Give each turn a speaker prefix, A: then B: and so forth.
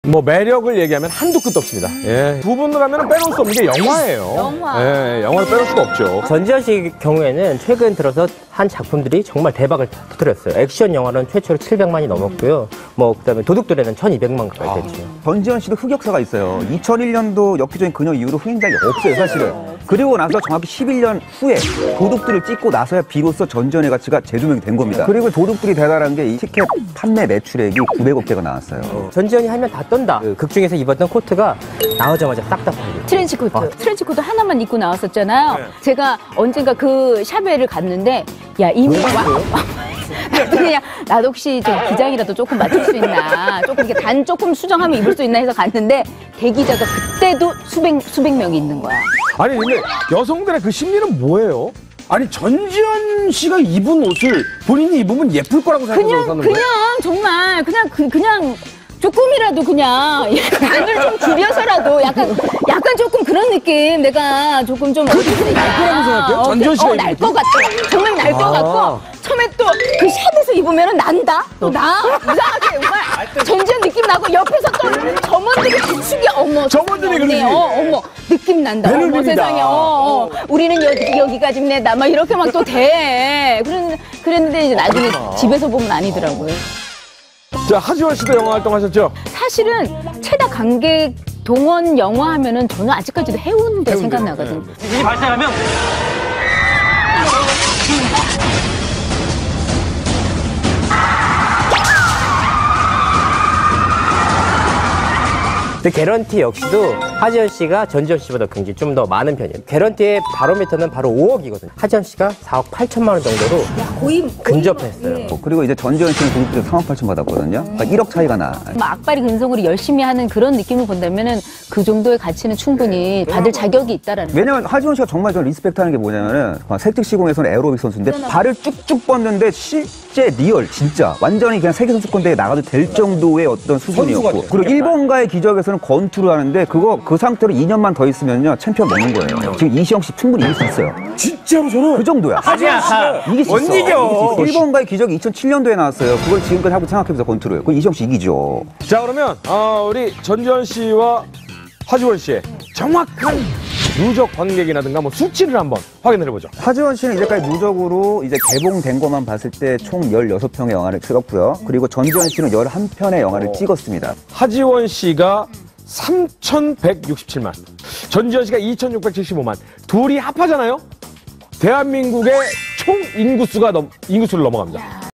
A: 뭐 매력을 얘기하면 한도 끝도 없습니다. 예. 두 분을 하면 빼놓을 수 없는 게 영화예요.
B: 영화.
A: 예, 영화를 빼놓을 수가 없죠.
C: 전지현 씨 경우에는 최근 들어서 한 작품들이 정말 대박을 터뜨렸어요. 액션 영화는 최초로 700만이 넘었고요. 뭐 그다음에 도둑들에는 1200만 가까이 됐죠.
D: 전지현 씨도 흑역사가 있어요. 2001년도 엽기적인 그녀 이후로 흥행 적이 없어요, 사실은. 그리고 나서 정확히 11년 후에 도둑들을 찍고 나서야 비로소 전지현의 가치가 재조명이 된 겁니다. 그리고 도둑들이 대단한 게 이 티켓 판매 매출액이 900억 개가 나왔어요.
C: 전지현이 하면 다 떤다. 극 중에서 입었던 코트가 나오자마자 딱딱하게.
B: 트렌치코트. 트렌치코트 하나만 입고 나왔었잖아요. 제가 언젠가 그 샵에를 갔는데, 야, 이미 그냥 나도 혹시 좀 기장이라도 조금 맞출 수 있나, 조금 이렇게 조금 수정하면 입을 수 있나 해서 갔는데 대기자가 그때도 수백 명이 있는 거야.
A: 아니 근데 여성들의 그 심리는 뭐예요?
E: 아니 전지현 씨가 입은 옷을 본인이 입으면 예쁠 거라고 생각해서 사는 거예요?
B: 그냥 정말 그냥 조금이라도 그냥 간을 좀 줄여서라도 약간 조금 그런 느낌 내가 조금 좀
E: 날 거라고 생각해요? 전지현 씨가 입은
B: 날 것 같아. 정말 날 것 같고 처음에 또 그 샵에서 입으면은 난다. 또 나 이상하게 정말 전지현 느낌 나고 옆에서 또 점원들이 비추기 어머
E: 점원들이 그러지.
B: 어머 느낌 난다.
E: 배를
B: 어머
E: 비빈다.
B: 세상에 우리는 여기가 집내다 막 이렇게 막 또 돼. 그랬는데 이제 나중에 집에서 보면 아니더라고요.
A: 자, 하지원 씨도 영화 활동하셨죠?
B: 사실은 최다 관객 동원 영화 하면은 저는 아직까지도 해운대 생각나거든요.
F: 지진이 발생하면
C: 근데 개런티 역시도 하지원 씨가 전지현 씨보다 굉장히 좀 더 많은 편이에요. 개런티의 바로미터는 바로 5억이거든요. 하지원 씨가 4억 8천만 원 정도로 근접했어요.
D: 그리고 이제 전지현 씨는 도둑들이 3억 8천 받았거든요. 그러니까 1억 차이가 나.
B: 악바리 근성으로 열심히 하는 그런 느낌을 본다면은 그 정도의 가치는 충분히 받을 자격이 있다라는.
D: 왜냐면 하지원 씨가 정말 저는 리스펙트하는 게 뭐냐면은 세특시공에서는 에어로빅 선수인데 발을 쭉쭉 뻗는데 실제 리얼 진짜 완전히 그냥 세계 선수권대회에 나가도 될 정도의 어떤 수준이었고 그리고 일본과의 기적에서는 권투를 하는데 그 상태로 2년만 더 있으면요 챔피언 먹는 거예요. 지금 이시영 씨 충분히 이길 수 있어요.
E: 진짜로 저는
D: 그 정도야.
E: 하지원 씨가
D: 이길 수
E: 못
D: 있어.
E: 이겨.
D: 일본과의 기적이 2007년도에 나왔어요. 그걸 지금까지 하고 생각해보자 권투를. 그럼 이시영 씨 이기죠.
A: 자, 그러면 우리 전지현 씨와 하지원 씨의 정확한 누적 관객이라든가 뭐 수치를 한번 확인을 해보죠.
D: 하지원 씨는 이제까지 누적으로 이제 개봉된 것만 봤을 때 총 16편의 영화를 찍었고요. 그리고 전지현 씨는 11편의 영화를 찍었습니다.
A: 하지원 씨가 3,167만, 전지현 씨가 2,675만. 둘이 합하잖아요? 대한민국의 총 인구수를 넘어갑니다.